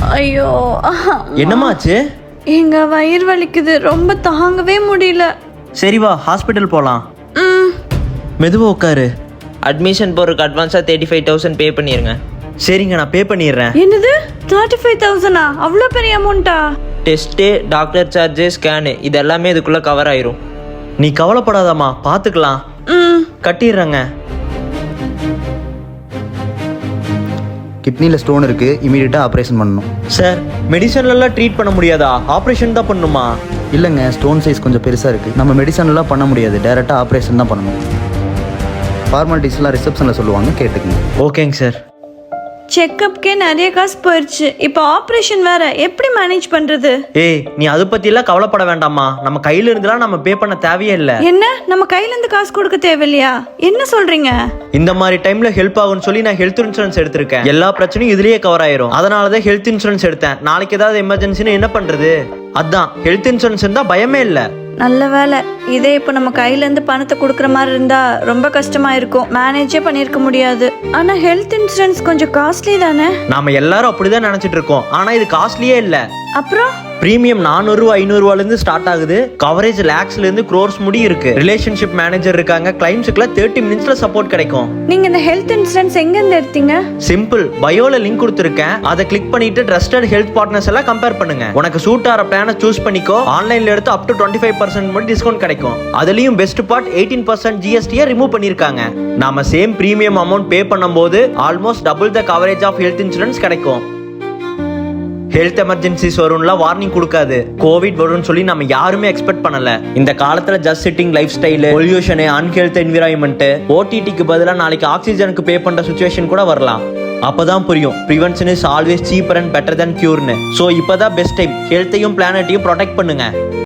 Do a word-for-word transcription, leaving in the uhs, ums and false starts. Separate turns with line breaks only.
ஐயோ
என்னமாச்சு?
எங்க வயிறு வலிக்குது, ரொம்ப தாங்கவே முடியல.
சரி வா ஹாஸ்பிட்டல் போலாம்.
ம்
மெதுவா உட்காரு.
அட்மிஷன் போறதுக்கு அட்வான்ஸா தேர்ட்டி ஃபைவ் தௌசண்ட் பே பண்ணிருங்க.
சரிங்க, நான் பே பண்ணிடுறேன்.
என்னது தேர்ட்டி ஃபைவ் தௌசண்டா? அவ்வளோ பெரிய அமௌண்ட்டா?
டெஸ்ட்டு, டாக்டர் சார்ஜு, ஸ்கேனு இது எல்லாமே இதுக்குள்ள கவர் ஆயிரும்.
நீ கவலைப்படாதம்மா, பாத்துக்கலாம்.
ம்
கட்டிடுறேங்க.
கிட்னியில் ஸ்டோன் இருக்குது, இமீடியட்டாக ஆப்ரேஷன் பண்ணணும்.
சார், மெடிசன்லாம் ட்ரீட் பண்ண முடியாதா? ஆப்ரேஷன் தான் பண்ணணுமா?
இல்லைங்க, ஸ்டோன் சைஸ் கொஞ்சம் பெருசாக இருக்குது. நம்ம மெடிசன்லாம் பண்ண முடியாது, டேரெக்டாக ஆப்ரேஷன் தான் பண்ணணும். ஃபார்மாலிட்டிஸ்லாம் ரிசப்ஷனில் சொல்லுவாங்க, கேட்டுக்குங்க.
ஓகேங்க சார்.
செக்கப்க்கே நிறைய காசு போயிடுச்சு, இப்போ ஆப்ரேஷன் வேற, எப்படி மேனேஜ் பண்றது?
ஏய், நீ அதை பற்றிலாம் கவலைப்பட வேண்டாமா. நம்ம கையில் இருந்துலாம் நம்ம பே பண்ண தேவையே இல்லை.
என்ன, நம்ம கையில இருந்து காசு கொடுக்க தேவையில்லையா? என்ன சொல்றீங்க?
இந்த மாதிரி டைம்ல ஹெல்ப் ஆகும்னு சொல்லி நான் ஹெல்த் இன்சூரன்ஸ் எடுத்திருக்கேன். எல்லா பிரச்சனையும் இதுலயே கவர் ஆயிரும். அதனால தான் ஹெல்த் இன்சூரன்ஸ் எடுத்தேன். நாளைக்கு ஏதாவது எமர்ஜென்சின்னு என்ன பண்றது? அதான் ஹெல்த் இன்சூரன்ஸ் இருந்தா பயமே இல்லை.
நல்ல வேலை. இதே இப்போ நம்ம கையில இருந்து பணத்தை கொடுக்குற மாதிரி இருந்தா ரொம்ப கஷ்டமா இருக்கும், மேனேஜே பண்ணிருக்க முடியாது. ஆனா ஹெல்த் இன்சூரன்ஸ் கொஞ்சம் காஸ்ட்லி தானே?
நாம எல்லாரும் அப்படிதான் நினைச்சிட்டு இருக்கோம், ஆனா இது காஸ்ட்லியே இல்ல.
அப்புறம்
பிரீமியம் நானூறு ரூபா ஐநூறு ரூபாயில இருந்து ஸ்டார்ட் ஆகுது. கவரேஜ் லேக்ஸ்ல இருந்து க்ரோர்ஸ் முடி இருக்கு. ரிலேஷன்ஷிப் மேனேஜர் இருக்காங்க. கிளைம்ஸ்க்குலாம் தேர்ட்டி மினிட்ஸ்ல சப்போர்ட் கிடைக்கும்.
நீங்க இந்த ஹெல்த் இன்சூரன்ஸ் எங்க இருந்து எடுத்தீங்க?
சிம்பிள், பயோல லிங்க் கொடுத்துருக்கேன். அதை கிளிக் பண்ணிட்டு ட்ரஸ்டட் ஹெல்த் பார்ட்னர்ஸ் எல்லாம் கம்பேர் பண்ணுங்க. உனக்கு சூட் ஆற பிளானை சூஸ் பண்ணிக்கோ. ஆன்லைன்ல எடுத்து up to twenty five percent மட்டும் டிஸ்கவுண்ட் கிடைக்கும். அதுலயும் பெஸ்ட் பார்ட் எயிட்டீன் பர்சன்ட் ஜிஎஸ்டியை ரிமூவ் பண்ணிருக்காங்க. நாம சேம் பிரீமியம் அமௌண்ட் பே பண்ணும்போது almost double the coverage of health insurance கிடைக்கும். ஹெல்த் எமர்ஜென்சிஸ் வரும்ல வார்னிங் கொடுக்காது. கோவிட் வரும்னு சொல்லி நம்ம யாருமே எக்ஸ்பெக்ட் பண்ணல. இந்த காலத்துல just sitting lifestyle, pollution, unhealthy environment, ஓடிடிக்கு பதிலா நாளைக்கு ஆக்சிஜனுக்கு பே பண்ற சுச்சுவேஷன் கூட வரலாம். அப்பதான் புரியும் prevention is always cheaper and better than கியூர்னு. சோ இப்பதான் பெஸ்ட் டைம். ஹெல்த்தையும் பிளானட்டையும் ப்ரொடெக்ட் பண்ணுங்க.